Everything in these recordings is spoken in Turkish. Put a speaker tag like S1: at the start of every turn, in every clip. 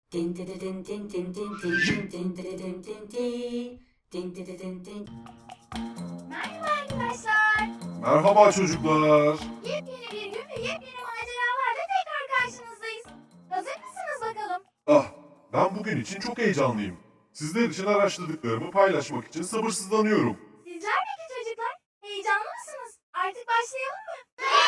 S1: Merhaba arkadaşlar.
S2: Merhaba çocuklar.
S1: Yepyeni bir gün ve yepyeni maceralarla tekrar karşınızdayız. Hazır mısınız bakalım?
S2: Ah, ben bugün için çok heyecanlıyım. Sizler için araştırdıklarımı paylaşmak için sabırsızlanıyorum.
S1: Sizler peki çocuklar? Heyecanlı mısınız? Artık başlayalım mı?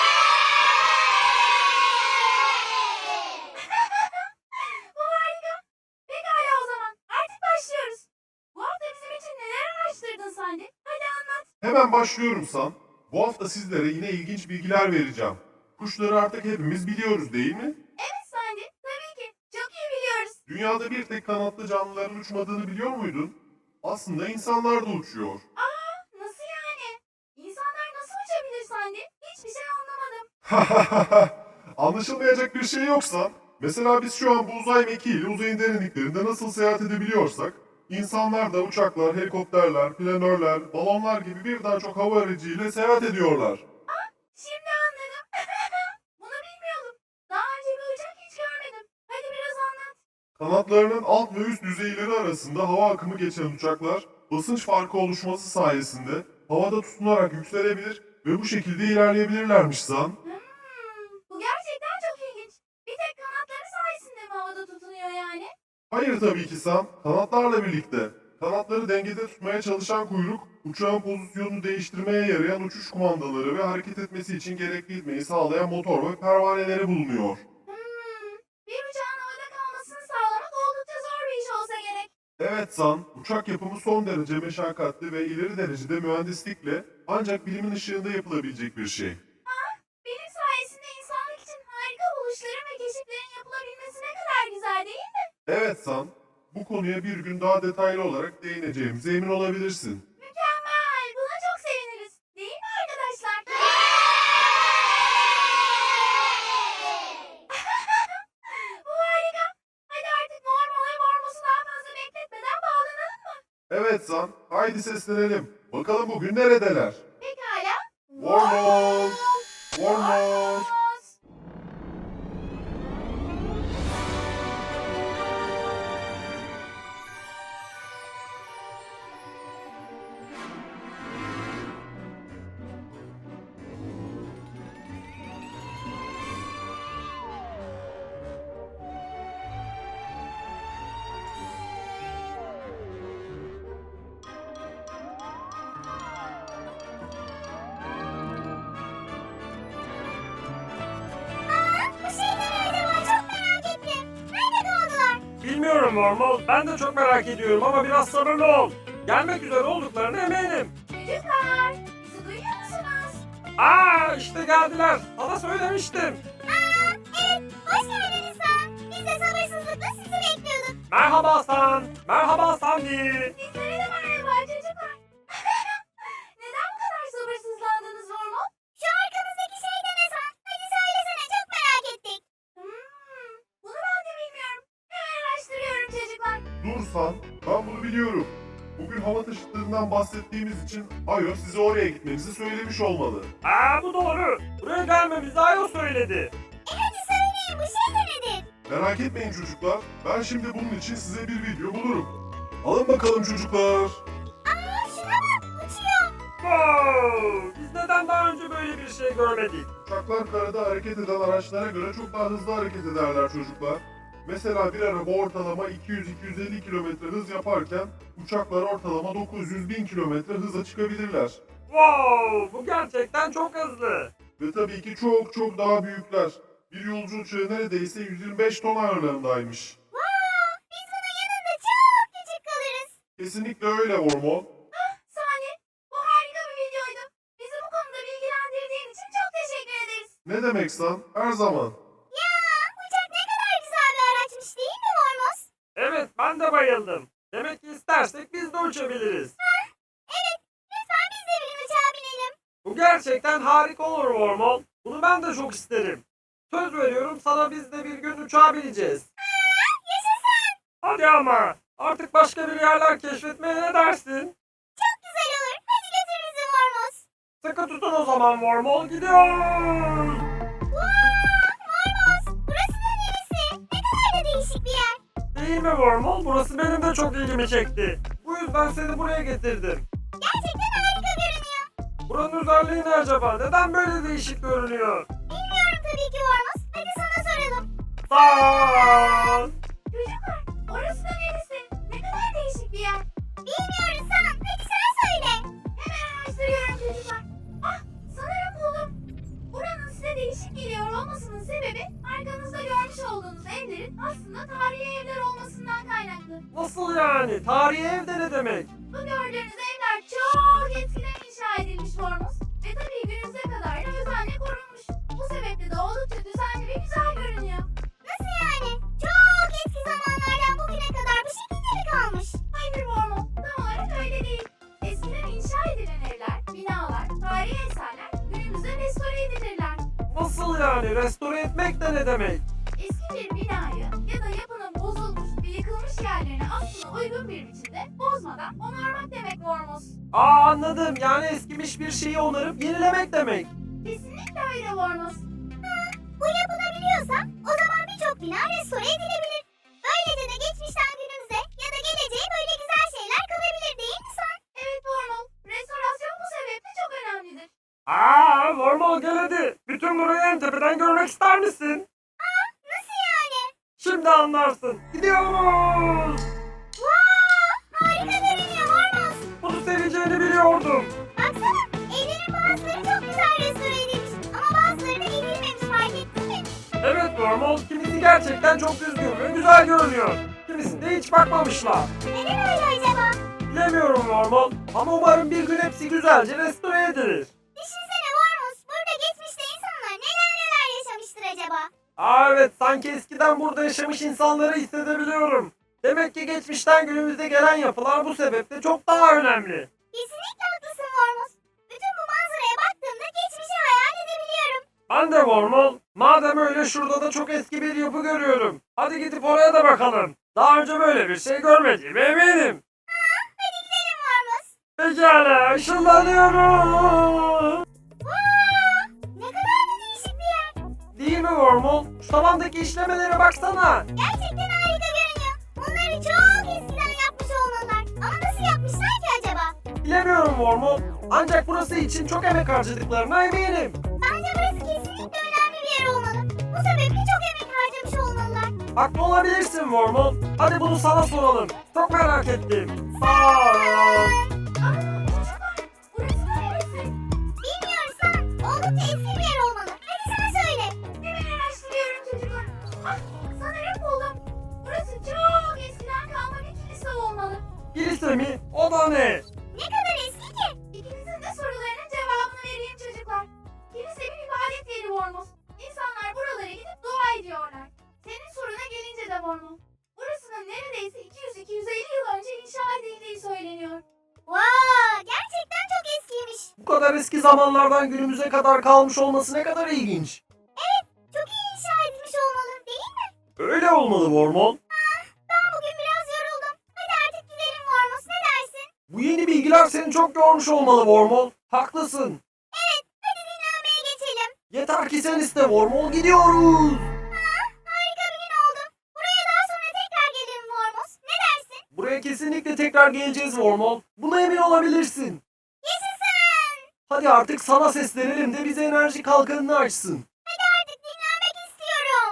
S1: Bu harika. Pekala o zaman. Artık başlıyoruz. Bu hafta bizim için neler araştırdın Sandy? Hadi anlat.
S2: Hemen başlıyorum San. Bu hafta sizlere yine ilginç bilgiler vereceğim. Kuşları artık hepimiz biliyoruz değil mi?
S1: Evet Sandy. Tabii ki. Çok iyi biliyoruz.
S2: Dünyada bir tek kanatlı canlıların uçmadığını biliyor muydun? Aslında insanlar da uçuyor.
S1: Nasıl yani? İnsanlar nasıl uçabilir Sandy? Hiçbir şey anlamadım.
S2: Anlaşılmayacak bir şey yoksa, mesela biz şu an bu uzay mekiğiyle uzayın derinliklerinde nasıl seyahat edebiliyorsak, insanlar da uçaklar, helikopterler, planörler, balonlar gibi birden çok hava aracıyla seyahat ediyorlar.
S1: Şimdi anladım. Bunu bilmiyordum. Daha önce bir uçak hiç görmedim. Hadi biraz anlat.
S2: Kanatlarının alt ve üst düzeyleri arasında hava akımı geçen uçaklar, basınç farkı oluşması sayesinde havada tutunarak yükselebilir ve bu şekilde ilerleyebilirlermiş Zan.
S1: Bu gerçekten çok ilginç. Bir tek kanatları sayesinde mi havada tutunuyor yani?
S2: Hayır tabii ki Sam, kanatlarla birlikte. Kanatları dengede tutmaya çalışan kuyruk, uçağın pozisyonunu değiştirmeye yarayan uçuş kumandaları ve hareket etmesi için gerekli itmeyi sağlayan motor ve pervaneleri bulunuyor.
S1: Bir uçağın havada kalmasını sağlamak oldukça zor bir iş olsa gerek.
S2: Evet San, uçak yapımı son derece meşakkatli ve ileri derecede mühendislikle ancak bilimin ışığında yapılabilecek bir şey.
S1: Benim sayesinde insanlık için harika buluşların ve keşiflerin yapılabilmesi ne kadar güzel değil mi?
S2: Evet San, bu konuya bir gün daha detaylı olarak değineceğimize emin olabilirsin.
S1: Mükemmel. Buna çok seviniriz. Değil mi arkadaşlar? Bu harika. Hadi artık Mormon ve Mormos'u daha fazla bekletmeden bağlanalım mı?
S2: Evet San, haydi seslenelim. Bakalım bugün neredeler?
S1: Pekala.
S2: Mormon! Mormon!
S1: Bu şeyler acaba çok merak ettim. Nerede kaldılar?
S3: Bilmiyorum Mormol. Ben de çok merak ediyorum ama biraz sabırlı ol. Gelmek üzere olduklarına eminim.
S1: Çocuklar, bizi duyuyor musunuz?
S3: İşte geldiler. Sana söylemiştim.
S1: Evet, hoş geldiniz San. Biz de sabırsızlıkla sizi bekliyorduk.
S3: Merhaba San. Merhaba Sandy.
S1: Sizlere de merhaba çocuklar. Neden bu kadar sabırsızlandınız Mormon? Şu arkamızdaki şey de ne San? Hadi söylesene, çok merak ettik. Bunu ben de bilmiyorum. Hemen araştırıyorum çocuklar.
S2: Dur San, ben bunu biliyorum. Bugün hava taşıtlarından bahsettiğimiz için Ayo size oraya gitmenizi söylemiş olmalı.
S3: Bu doğru. Buraya gelmemizi Ayo söyledi.
S1: Hadi söyleyin, bu şey de nedir?
S2: Merak etmeyin çocuklar, ben şimdi bunun için size bir video bulurum. Alın bakalım çocuklar.
S1: Şuna bak, uçuyor.
S3: Wow! Biz neden daha önce böyle bir şey görmedik?
S2: Uçaklar karada hareket eden araçlara göre çok daha hızlı hareket ederler çocuklar. Mesela bir araba ortalama 200-250 km hız yaparken uçaklar ortalama 900-1000 km hıza çıkabilirler.
S3: Wow! Bu gerçekten çok hızlı.
S2: Ve tabii ki çok çok daha büyükler. Bir yolcu uçağı neredeyse 125 ton ağırlığındaymış.
S1: Biz bunun yanında çok küçük kalırız.
S2: Kesinlikle öyle Ormon.
S1: Sani, bu harika bir videoydu. Bizi bu konuda bilgilendirdiğin için çok teşekkür ederiz.
S2: Ne demek San? Her zaman.
S1: Ya, uçak ne kadar güzel bir araçmış değil mi Mormos?
S3: Evet, ben de bayıldım. Demek ki istersek biz de uçabiliriz.
S1: Evet, lütfen biz de bir uçağa binelim.
S3: Bu gerçekten harika olur Wormhole. Bunu ben de çok isterim. Söz veriyorum sana biz de bir gün uçağa bineceğiz.
S1: Yaşasın.
S3: Hadi ama artık başka bir yerler keşfetmeye ne dersin?
S1: Çok güzel olur. Hadi götür bizi Mormos.
S3: Sıkı tutun o zaman Wormhole gidiyor.
S1: Mormos, burası da neresi? Ne kadar da değişik bir yer.
S3: değil mi Wormhole? Burası benim de çok ilgimi çekti. Bu yüzden seni buraya getirdim.
S1: Gerçekten harika görünüyor.
S3: Buranın özelliği ne acaba? Neden böyle değişik görünüyor?
S1: Bilmiyorum tabii ki Vormuz. Hadi sana soralım.
S3: Sağ ol.
S1: Çocuklar, orası da neresi? Ne kadar değişik bir yer. Bilmiyoruz San. Hadi sen söyle. Hemen araştırıyorum çocuklar. Ah, sanırım buldum. Buranın size değişik geliyor olmasının sebebi arkanızda görmüş olduğunuz evlerin aslında tarihi evler olmasından kaynaklı.
S3: Nasıl yani? Tarihi evde ne demek?
S1: Bu gördüğünüz evler çok eskiden inşa edilmiş Vormuz. Ve tabii günümüze kadar da özenle korunmuş. Bu sebeple de oldukça düzenli ve güzel görünüyor. Nasıl yani? Çok eski zamanlardan bugüne kadar bu şekilde mi kalmış? Hayır Vormuz, tam olarak öyle değil. Eskiden inşa edilen evler, binalar, tarihi eserler günümüzde restore edilirler.
S3: Nasıl yani? Restore etmek de ne demek?
S1: Eski bir binayı ya da yapının bozulmuş ve yıkılmış yerlerini aslında uygun bir biçimde bozmadan onarmak demek Vormuz.
S3: Aa anladım. Yani eskimiş bir şeyi onarıp yenilemek demek.
S1: Kesinlikle öyle Vormuz. Bu yapılabiliyorsa o zaman birçok bina restore edilebilir. Böylece de geçmişten günümüze ya da geleceğe böyle güzel şeyler kalabilir değil mi sen? Evet Vormuz. Restorasyon bu sebeple çok önemlidir.
S3: Aa Wormhole gel hadi. Bütün burayı en tepeden görmek ister misin?
S1: Nasıl yani?
S3: Şimdi anlarsın. Gidiyoruz.
S1: Vaa! Harika görünüyor Vormuz.
S3: Bunu seveceğini biliyordum.
S1: Baksana evlerin bazıları çok güzel restore edilmiş ama bazıları da edilmemiş fark ettin mi?
S3: Evet Wormhole, kimisi gerçekten çok düzgün ve güzel görünüyor. Kimisinde hiç bakmamışlar.
S1: Neden öyle acaba?
S3: Bilemiyorum Wormhole ama umarım bir gün hepsi güzelce restore edilir.
S1: Düşünsene Vormuz. Burada geçmişte insanlar neler yaşamıştır acaba?
S3: Aa evet, sanki eskiden burada yaşamış insanları hissedebiliyorum. Demek ki geçmişten günümüze gelen yapılar bu sebeple çok daha önemli.
S1: Kesinlikle haklısın Vormuz. Bütün bu manzaraya baktığımda geçmişi hayal edebiliyorum.
S3: Ben de Wormhole, madem öyle şurada da çok eski bir yapı görüyorum. Hadi gidip oraya da bakalım. Daha önce böyle bir şey görmediğime eminim.
S1: Hadi gidelim Vormuz.
S3: Pekala, ışınlanıyorum.
S1: Vaa! Ne kadar da değişik bir yer.
S3: Değil mi Wormhole? Şu tavandaki işlemelere baksana.
S1: Gerçekten harika görünüyor. Bunları çok eskiden yapmış olmalılar. Ama nasıl yapmışlar ki acaba?
S3: Bilemiyorum Wormhole. Ancak burası için çok emek harcadıklarına eminim.
S1: Bence burası kesinlikle önemli bir yer olmalı. Bu sebeple çok emek harcamış olmalılar.
S3: Haklı olabilirsin Wormhole. Hadi bunu sana soralım. Çok merak ettim. Sağ ol.
S1: Çocuklar, burası neresi? Bilmiyoruz San. Oldukça eski bir yer olmalı. Hadi sen söyle. Hemen araştırıyorum çocuklar. Ah, sanırım buldum. Burası çok eskiden kalma bir kilise olmalı.
S3: Kilise mi? O da ne?
S1: Ne kadar eski ki? İkinizin de sorularının cevabını vereyim çocuklar. Kilise bir ibadet yeri Vormuz. İnsanlar buralara gidip dua ediyorlar. Senin soruna gelince de Vormuz. Burasının neredeyse 200-250 yıl önce inşa edildiği söyleniyor. Vaa! Gerçekten çok eskiymiş.
S3: Bu kadar eski zamanlardan günümüze kadar kalmış olması ne kadar ilginç.
S1: Çok iyi inşa edilmiş olmalı değil mi?
S3: Öyle olmalı Wormhole.
S1: Ben bugün biraz yoruldum. Hadi artık gidelim Vormuz. Ne dersin?
S3: Bu yeni bilgiler seni çok yormuş olmalı Wormhole. Haklısın.
S1: Evet. Hadi dinlenmeye geçelim.
S3: Yeter ki sen iste Wormhole, gidiyoruz.
S1: Harika bir gün oldu. Buraya daha sonra tekrar gelirim Vormuz. Ne dersin?
S3: Buraya kesinlikle tekrar geleceğiz Wormhole. Buna emin olabilirsin.
S1: Yaşasın.
S3: Hadi artık sana seslenelim de bize enerji kalkanını açsın.
S1: Hadi artık dinlenmek istiyorum.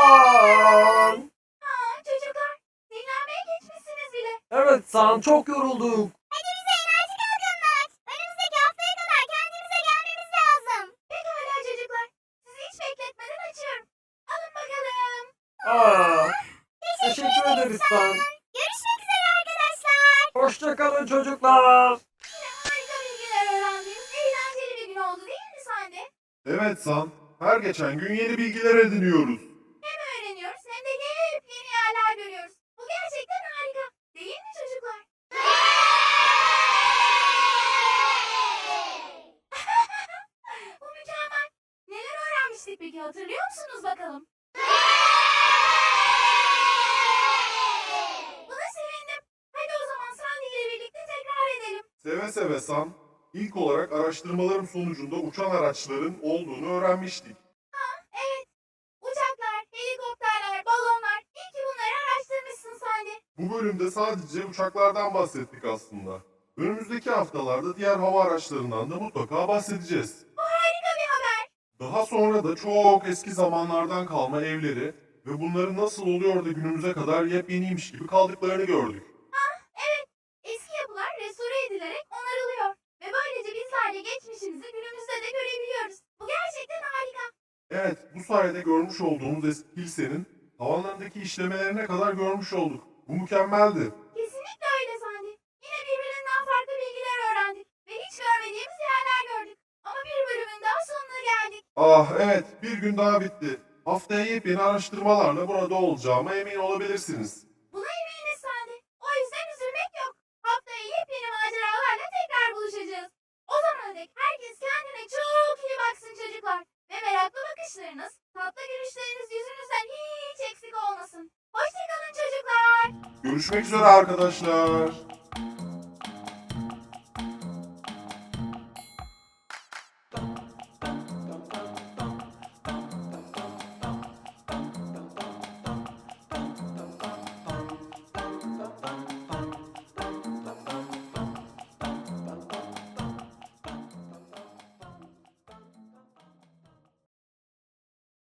S3: San.
S1: Çocuklar, dinlenmeye geçmişsiniz bile.
S3: Evet San, çok yorulduk.
S1: Hadi bize enerji kalkanını aç. Önümüzdeki haftaya kadar kendimize gelmemiz lazım. Pekala çocuklar. Sizi hiç bekletmeden açıyorum. Alın bakalım.
S3: Aa, teşekkür ederiz San.
S1: Görüşmek üzere arkadaşlar.
S3: Hoşçakalın çocuklar.
S1: Yine harika bilgiler öğrendiğimiz eğlenceli bir gün oldu değil mi Sande?
S2: Evet San, her geçen gün yeni bilgiler ediniyoruz.
S1: Hem öğreniyoruz hem de hep yeni yerler görüyoruz. Bu gerçekten harika. Değil mi çocuklar? Bu mükemmel. Neler öğrenmiştik peki hatırlıyor musunuz bakalım? Buna sevindim. Hadi o zaman Sandy ile birlikte tekrar edelim.
S2: Seve seve San, ilk olarak araştırmalarım sonucunda uçan araçların olduğunu öğrenmiştik.
S1: Evet. Uçaklar, helikopterler, balonlar. İyi ki bunları araştırmışsın Sandy.
S2: Bu bölümde sadece uçaklardan bahsettik aslında. Önümüzdeki haftalarda diğer hava araçlarından da mutlaka bahsedeceğiz.
S1: Bu harika bir haber.
S2: Daha sonra da çok eski zamanlardan kalma evleri ve bunların nasıl oluyor da günümüze kadar yepyeniymiş gibi kaldıklarını gördük.
S1: Evet, eski yapılar restore edilerek onarılıyor. Ve böylece bizler de geçmişimizi günümüzde de görebiliyoruz. Bu gerçekten harika.
S2: Evet, bu sayede görmüş olduğumuz eski kilisenin tavanlarındaki işlemelerine kadar görmüş olduk. Bu mükemmeldi.
S1: Kesinlikle öyle Sandy. Yine birbirinden farklı bilgiler öğrendik. Ve hiç görmediğimiz yerler gördük. Ama bir bölümün daha sonuna geldik.
S2: Ah evet, bir gün daha bitti. Haftaya yepyeni araştırmalarla burada olacağıma emin olabilirsiniz.
S1: Buna eminiz Sandy. O yüzden üzülmek yok. Haftaya yepyeni maceralarla tekrar buluşacağız. O zamana dek herkes kendine çok iyi baksın çocuklar. Ve meraklı bakışlarınız, tatlı gülüşleriniz yüzünüzden hiç eksik olmasın. Hoşçakalın çocuklar.
S2: Görüşmek üzere arkadaşlar.